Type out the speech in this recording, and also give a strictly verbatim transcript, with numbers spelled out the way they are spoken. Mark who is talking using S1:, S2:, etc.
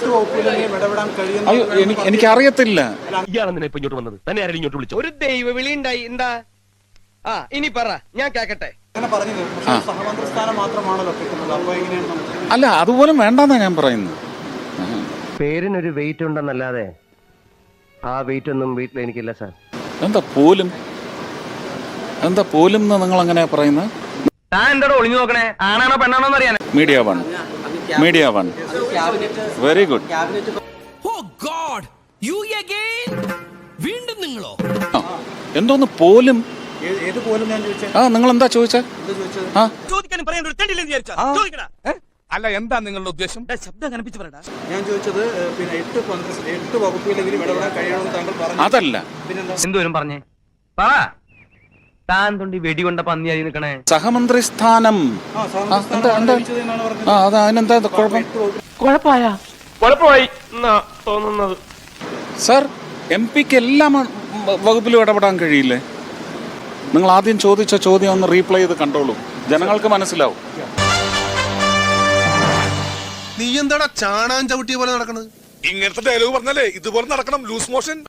S1: അയ്യോ എനിക്ക് എനിക്കറിയത്തില്ല.
S2: ഒരു ദൈവ വിളി ഉണ്ടായി എന്താ? ആ ഇനി പറ, ഞാൻ കേക്കട്ടെ.
S1: അല്ല അതുപോലും വേണ്ടെന്നാ ഞാൻ പറയുന്നത്.
S3: പേരിനൊരു വെയിറ്റ് ഉണ്ടെന്നല്ലാതെ ആ വെയിറ്റ് ഒന്നും വീട്ടിൽ എനിക്കില്ല സാർ.
S1: എന്താ പോലും എന്താ പോലും എന്ന് നിങ്ങൾ അങ്ങനെ പറയുന്നത്?
S2: ഒളിഞ്ഞു നോക്കണേ, ആണാണോ പെണ്ണാണോ അറിയാൻ.
S1: Media one media one very good. എന്തോന്ന് പോലും? ആ നിങ്ങൾ എന്താ ചോദിച്ചേ?
S4: അല്ല എന്താ നിങ്ങളുടെ ഉദ്ദേശം?
S5: ശബ്ദം കനപ്പിച്ച് പറയടാ.
S6: ഞാൻ ചോദിച്ചത് പിന്നെ എട്ട് എട്ട് വകുപ്പിലെങ്കിലും ഇടപെടാൻ കഴിയണമെന്ന് താങ്കൾ പറഞ്ഞു.
S1: അതല്ല
S2: എന്തോരും പറഞ്ഞേ പറ. താൻ തൊണ്ടി വെടികൊണ്ട പന്നിയായി നിൽക്കണേ.
S1: സഹമന്ത്രി സ്ഥാനം. ആ അത് അതിനെന്താ കുഴപ്പം?
S2: കുഴപ്പമായ കുഴപ്പമായി എന്നാ തോന്നുന്നത്.
S1: സാർ എം പിക്ക് എല്ലാ വകുപ്പിലും ഇടപെടാൻ കഴിയില്ലേ? നിങ്ങൾ ആദ്യം ചോദിച്ച ചോദ്യം ഒന്ന് റീപ്ലൈ ചെയ്ത് കണ്ടോളൂ, ജനങ്ങൾക്ക് മനസ്സിലാവും.
S7: നീ എന്താടാ ചാണാൻ ചവിട്ടിയ പോലെ നടക്കണത്?
S4: ഇങ്ങനത്തെ ഡയലോഗ് പറഞ്ഞാലേ ഇതുപോലെ നടക്കണം, ലൂസ് മോഷൻ.